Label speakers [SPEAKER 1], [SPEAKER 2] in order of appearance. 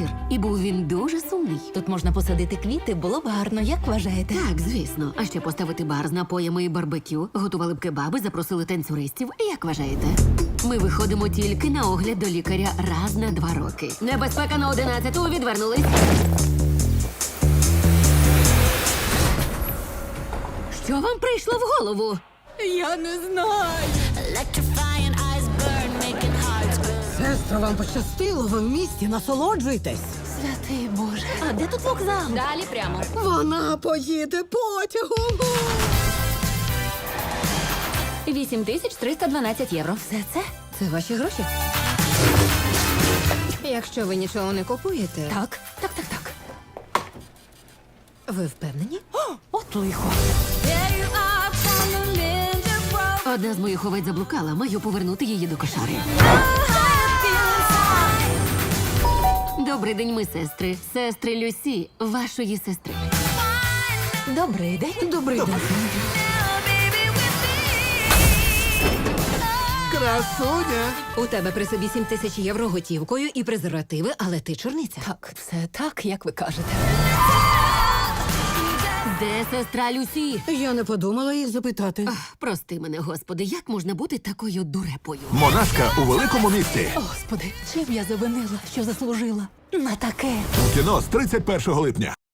[SPEAKER 1] вечір, і був він дуже сумний.
[SPEAKER 2] Тут можна посадити квіти, було б гарно, як вважаєте?
[SPEAKER 1] Так, звісно. А ще поставити бар з напоями і барбекю, готували б кебаби, запросили танцюристів. Як вважаєте? Ми виходимо тільки на огляд до лікаря раз на 2 роки. Небезпека на 11-ту, відвернулись. Що вам прийшло в голову?
[SPEAKER 2] Я не знаю.
[SPEAKER 3] Сестро, вам пощастило, ви в місті, насолоджуйтесь.
[SPEAKER 2] Святий Боже. А де тут вокзал?
[SPEAKER 4] Далі прямо.
[SPEAKER 3] Вона поїде потягом.
[SPEAKER 4] 8312 євро.
[SPEAKER 2] Все це?
[SPEAKER 3] Це ваші гроші?
[SPEAKER 5] Якщо ви нічого не купуєте,
[SPEAKER 2] Так.
[SPEAKER 5] ви впевнені?
[SPEAKER 2] От лихо.
[SPEAKER 1] Одна з моїх овець заблукала, маю повернути її до кошари. Добрий день, ми сестри. Сестри Люсі, вашої сестри.
[SPEAKER 2] Добрий день.
[SPEAKER 3] Добрий день.
[SPEAKER 6] Красуня!
[SPEAKER 5] У тебе при собі 7 тисяч євро готівкою і презервативи, але ти чорниця.
[SPEAKER 2] Так, все так, як ви кажете.
[SPEAKER 1] Де сестра Люсі?
[SPEAKER 3] Я не подумала їх запитати.
[SPEAKER 1] Прости мене, господи, як можна бути такою дурепою?
[SPEAKER 6] Монашка у великому місті.
[SPEAKER 2] Господи, чим я завинила, що заслужила на таке?
[SPEAKER 6] У кіно з 31 липня.